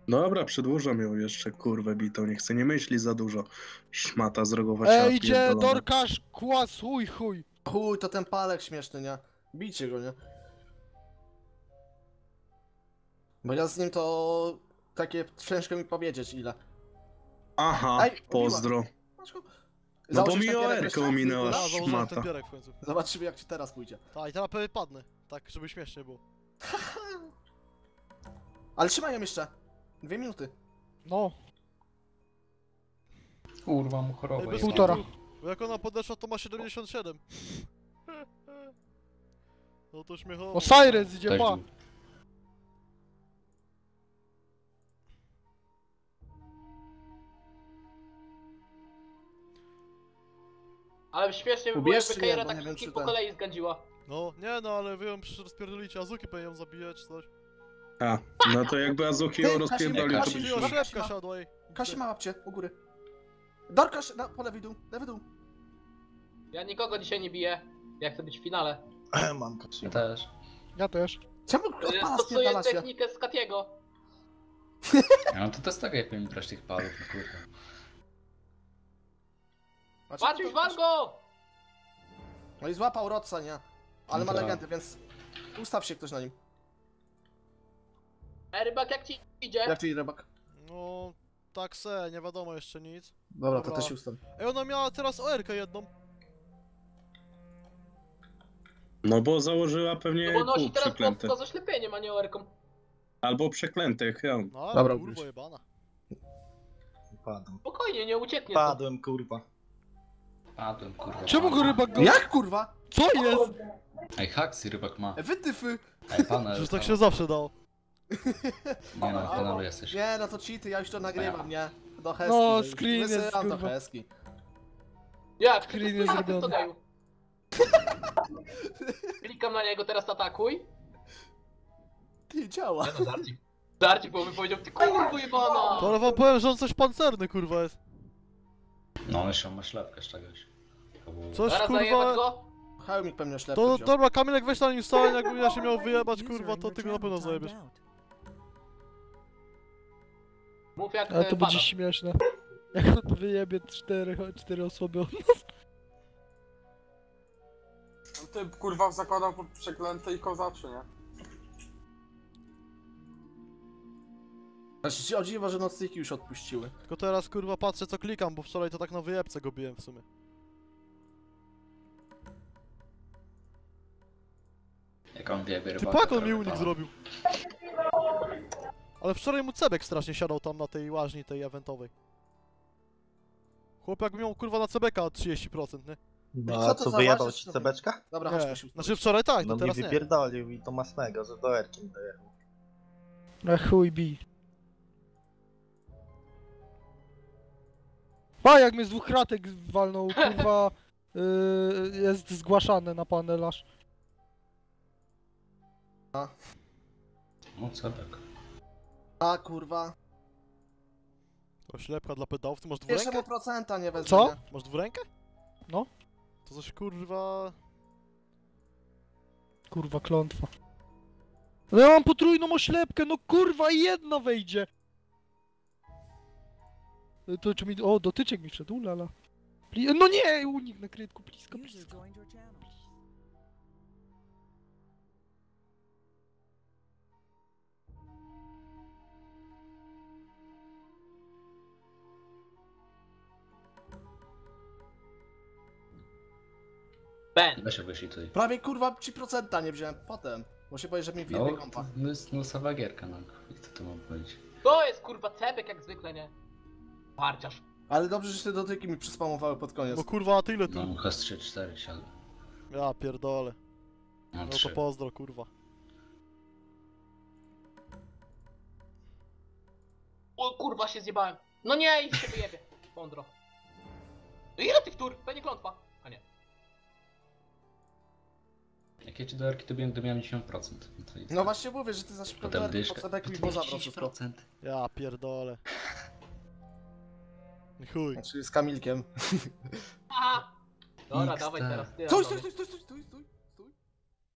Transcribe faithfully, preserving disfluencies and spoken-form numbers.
Dobra, przedłużam ją jeszcze, kurwę bitą, nie chcę, nie myśli za dużo. Szmata z rogowacia. Ej, idzie Dorkasz, kłas, chuj, chuj. Chuj, to ten palek śmieszny, nie? Bijcie go, nie? Bo ja z nim to... takie ciężko mi powiedzieć ile. Aha, Ej, pozdro. Masz go? No bo Założysz mi ten pierek oerkę jeszcze? ominęła Ja założyłem szmata. ten pierek w końcu. Zobaczymy jak ci teraz pójdzie. Tak, i teraz pewnie padnę. Tak, żeby śmiesznie było. Ale trzymaj ją jeszcze. Dwie minuty. No. Kurwa mu chorobę. Ej, bez jebana. kitu, Bo jak ona podeszła, to ma siedemdziesiąt siedem. No to śmiechowo. Osiris idzie, Też pa! był. Ale śmiesznie by było, Ubierz jakby czy nie, Keira bo tak nie wiem, wszystkich czy po ten- kolei zgędziła. No, nie no, ale wy ją przecież rozpierdolicie, Azuki pewnie ją zabije czy coś. A, no to jakby Azuki ją Ty, rozpierdolił, to Kasi, byś... Ty, Kasi, oślepka ma- siadła i... Kasi ma łapcie, u góry. Dorkasz, na, po lewy dół, lewy dół. Ja nikogo dzisiaj nie biję. Ja chcę być w finale. Mam Kasi. Ja też. Ja też. Czemu odpala Stosuję spierdala się? technikę z Katiego. Ja no to też tak jak mi brać tych palów, no kurwa. Macie Patrz, to- już wal go! No i złapał Rodsa, nie? Ale ma Tak. legendę, więc... Ustaw się ktoś na nim. Ej, rybak, jak ci idzie? Jak ty, rybak? No, tak se, nie wiadomo jeszcze nic. Dobra, to Dobra. też ustaw. Ej, ona miała teraz O R K jedną. No bo założyła pewnie No bo nosi pół teraz przeklęte. pod zaślepieniem, a nie oerką. Albo przeklętych, ja. No, ale Dobra, kurwa ubierz. jebana. Padłem. Spokojnie, nie ucieknie to. Padłem, kurwa. Padłem, kurwa. Czemu go rybak go... Jak kurwa? Co jest? Ej, haksy rybak ma. E, Wytyfy! Ej, pana. Przecież tak się zawsze dało. Nie no, panowie jesteś. Nie, no to cheaty, ja już to nagrywam, nie? Do Heski. No, już screen jest, wysyłam do kurwa. Heski. Jak? Screen Ty jest to ty to zrobiony. geju. Klikam na niego, teraz atakuj. Ty, działa. no, żarcik. Żarcik, bo by powiedział, ty kurwa jebana! To ale wam powiem, że on coś pancerny kurwa jest. No, on jeszcze ma ślepkę z czegoś. To było... Coś Zaraz zajebać kurwa... go? Hełmik pewnie ślepy To wziął. dobra, Kamilek weź na nim stałem, jakbym ja się miał wyjebać kurwa, to ty go na pewno zajebiesz. Mów jak Ale e, to pada. będzie śmieszne. Jak on wyjebie cztery, cztery osoby od nas. Ty kurwa zakładał pod przeklęte i kozaczy, nie? Znaczy się o dziwo, że nocniki już odpuściły. Tylko teraz kurwa patrzę co klikam, bo wczoraj to tak na wyjebce go biłem w sumie. Jak on wie, Ty rybaka. pak on mi prawie unik pana. zrobił. Ale wczoraj mu Cebek strasznie siadał tam na tej łaźni tej eventowej. Chłop jak miał kurwa na Cebeka trzydzieści procent, nie? No Co a to co, za wyjebał ważne- ci cebeczka? Dobra, Nie, chodźmy się znaczy wczoraj tak, No to mi teraz nie. wypierdolił i to masnego, że do Erki dojechał. Na chuj bij. A jak mnie z dwóch kratek walnął, kurwa... Yy, jest zgłaszane na panelarz. No, cebek. A kurwa. Oślepka dla pedałów, ty masz Jeszcze dwurękę? mu procenta nie wezmę. Co? nie? Masz dwurękę? No. To coś kurwa... Kurwa, klątwa. No ja mam potrójną oślepkę, no kurwa i jedna wejdzie. Y, To czy mi... O, dotyczek mi wszedł, ulala. Pli... No nie, unik na krytku, blisko, blisko. Ben. Weź wyszli tutaj. Prawie kurwa ci procenta nie wziąłem potem. Bo się boję, że mi No, wyjebie to kompa. jest nosowa gierka, no. I co tu mam powiedzieć? To jest kurwa cebek jak zwykle, nie? Parciarz. Ale dobrze, że te dotyki mi przyspamowały pod koniec. No kurwa, a ty ile tu? No, chyba z trzy cztery siadł. Ja pierdolę. Mam No to trzy. pozdro kurwa. O kurwa się zjebałem. No nie, i się wyjebie. Mądro. No ile tych tur? Będzie klątwa. A nie. Jak ja ci do Erki to miałem dziewięćdziesiąt procent. No, to i No właśnie mówię, że ty za szybko Potem po dyszka. cebeku i To bo jest zabrał wszystko. dziesięć procent. Ja pierdolę. Chuj. Znaczy z Kamilkiem. Aha. Dobra, X dawaj D. teraz ty. Stój, Antony. stój, stój, stój, stój, stój, stój.